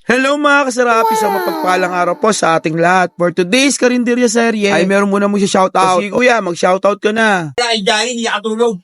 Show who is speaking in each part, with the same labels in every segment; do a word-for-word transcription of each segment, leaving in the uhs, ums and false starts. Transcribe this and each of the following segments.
Speaker 1: Hello mga kasarap, isang mapagpalang araw po sa ating lahat. For today's Karinderya serye, ay meron muna mo siya shoutout. Sige kuya, mag-shoutout ka na.
Speaker 2: Ay, Johnny, hindi nakatulog.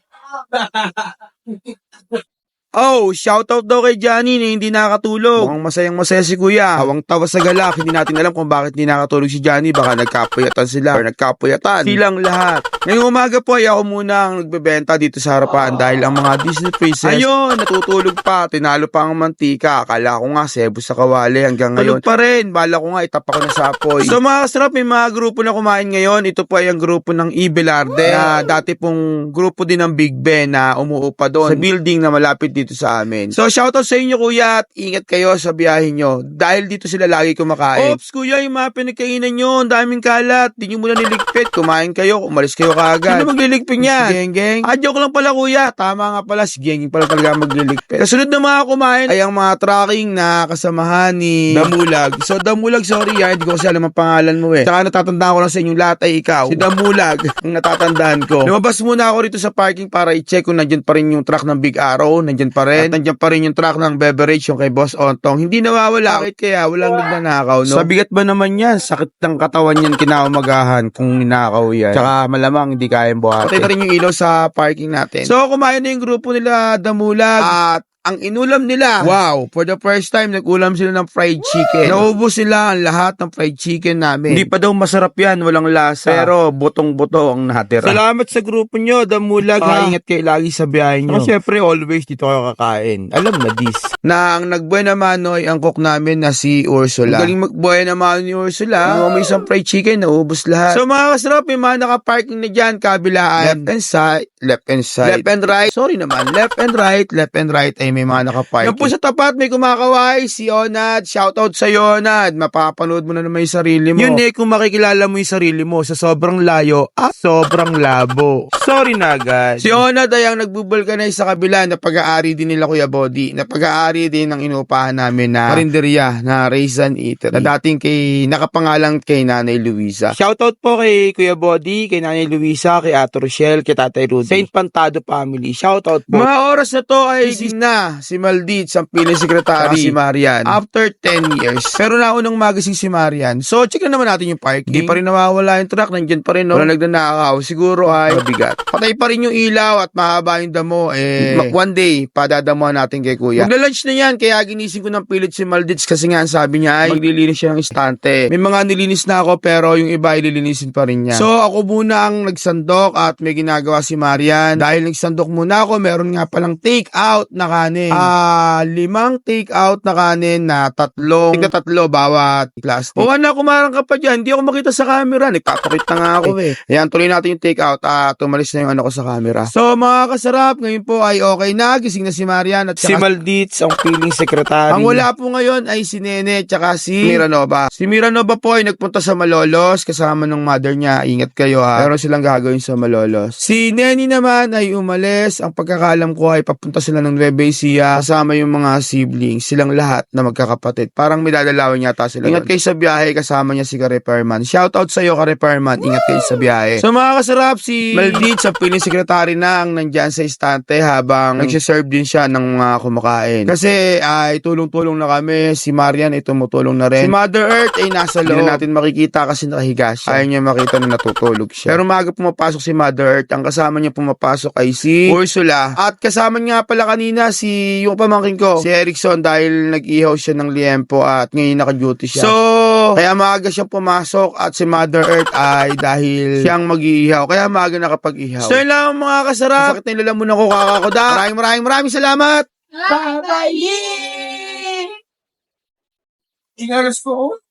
Speaker 1: Oh, shoutout daw kay Johnny na hindi nakatulog. Mukhang masayang masaya si kuya. Hawang tawa sa galak, hindi natin alam kung bakit hindi nakatulog si Johnny. Baka nagkapuyatan sila or nagkapuyatan silang lahat. Ngayong umaga po ay ako muna ang nagbebenta dito sa harapan dahil ang mga Disney princess, ayun, natutulog pa. Tinalo pa ang mantika. Akala ko nga sebo sa kawali hanggang ngayon. Tulog pa rin. Bala ko nga itapa ko na sa apoy. So mga kasarap, may mga grupo na kumain ngayon. Ito po ay ang grupo ng Ibelarde na dati pong grupo din ng Big Ben na umuupa doon sa building na malapit dito sa amin. So shoutout sa inyo kuya at ingat kayo sa biyahe nyo dahil dito sila lagi kumakain. Ops kuya, yung mga pinagkainan nyo, ang daming kalat, di nyo muna niligpit, kumain kayo, umalis kayo kaagad. Sino magliligpit niyan? Si Geng-Geng? Ah, joke lang pala kuya, tama nga pala, si Geng-Geng pala talaga magliligpit. Kasunod na mga kumain ay ang mga tracking na kasamahan ni Damulag. So Damulag, sorry ha, hindi ko kasi alam ang pangalan mo eh. Saka natatandaan ko lang sa inyong lahat ay ikaw, si Damulag, ang natatandaan ko. Lumabas muna ako rito sa parking para i-check kung nandyan pa rin yung truck ng Big Arrow, nandyan pa rin. At nandiyan pa rin yung truck ng beverage, yung kay Boss Ontong. Hindi nawawala. Bakit kaya? Walang nagnanakaw, no? Sa bigat ba naman yan? Sakit ng katawan yan kinaumagahan kung ninakaw yan. Tsaka malamang hindi kayang buhati. Patay na rin yung ilaw sa parking natin. So, kumain na yung grupo nila Damulag at ang inulam nila, wow, for the first time, nag-ulam sila ng fried chicken. Naubos sila ang lahat ng fried chicken namin. Hindi pa daw masarap yan, walang lasa. Pero butong-buto ang natira. Salamat sa grupo nyo, Damulag. Ah. Ingat kayo lagi sa biyahe nyo. So, syempre, always dito kayo kakain. Alam na this. Na ang nagbuhay naman ay ang cook namin na si Ursula. Ang galing magbuhay naman ni Ursula. Yung may isang fried chicken, naubos lahat. So mga kasarap, may mga naka-parking na dyan, kabilaan. Left and side, left and side. Left and right. Sorry naman, left and right, left and right ay may mga nakaparking. Yan po sa tapat, may kumakaway, si Onad. Shoutout sa Onad. Mapapanood mo na naman yung sarili mo. Yun eh, kung makikilala mo yung sarili mo sa sobrang layo at sobrang labo. Sorry na agad. Si Onad ay ang nagbubulkanize sa kabila na pag-aari din nila Kuya Body. Na pag-aari din ng inupahan namin na karinderya na Raisin Eatery. Na dating kay, nakapangalang kay Nanay Luisa. Shoutout po kay Kuya Body, kay Nanay Luisa, kay Ate Rochelle, kay Tatay Rudy. Saint Pantado Family. Shoutout po. Mga oras na to ay si na si Maldit, ang piling sekretary, si Marian. After ten years. Pero naunang magising si Marian. So, check na naman natin yung parking. Hindi pa rin nawawala yung truck. Nandyan pa rin, no? Wala nagnanakaw. Siguro ay mabigat. Patay pa rin yung ilaw at mahaba yung damo. Eh, one day, padadamuhan natin kay Kuya. Magla-lunch na yan. Kaya ginising ko ng pilit si Maldit kasi nga sabi niya ay maglilinis siya ng istante. May mga nilinis na ako pero yung iba ililinisin pa rin niya. So, ako muna ang nagsandok at may ginagawa si Marian. Dahil nagsandok muna ako, meron nga palang take out na kanin. Ah, limang take out na kanin na tatlong, tika tatlo bawat plastic. O anak, kumarang ka pa dyan. Hindi ako makita sa camera. Nagtatakit na nga ako eh. Ayan, tuloy natin yung take out. Ah, tumalis na yung ano ko sa camera. So, mga kasarap, ngayon po ay okay na. Gising na si Marian at si Malditz, ang piling secretary. Ang wala po ngayon ay si Nene tsaka si Miranova. Si Miranova po ay nagpunta sa Malolos kasama ng mother niya. Ingat kayo ha. Meron silang gagawin sa Malolos. Si Nene naman ay umalis. Ang pagkakalam ko ay papunta sila ng Nueva Ecija kasama yung mga siblings, silang lahat na magkakapatid. Parang may dadalawin yata sila. Ingat kayo sa biyahe, kasama niya si Ka-Repairman. Shoutout sa iyo, Ka-Repairman. Ingat kayo sa biyahe. So mga kasarap, si Maldit sa piling sekretary na ang nandyan sa istante habang nagsiserve din siya ng mga kumakain. Kasi ay tulong-tulong na kami. Si Marian ay tumutulong na rin. Si Mother Earth ay nasa loob. Hindi na natin makikita kasi nakahiga siya. Ayaw niya makita na natutulog siya. Pero maaga pumapasok si Mother Earth. Ang kasama niya pumapasok ay si Ursula. At kasama niya pala kanina si yung pamangkin ko, si Erickson, dahil nag-ihaw siya ng liempo at ngayon naka-duty siya. So, kaya maaga siyang pumasok at si Mother Earth ay dahil siyang mag-iihaw. Kaya maaga nakapag-ihaw. So, yun lang mga kasarap. Sakit na nila muna ko kakakoda. Maraming maraming maraming salamat.
Speaker 2: Bye-bye! Ingaras po.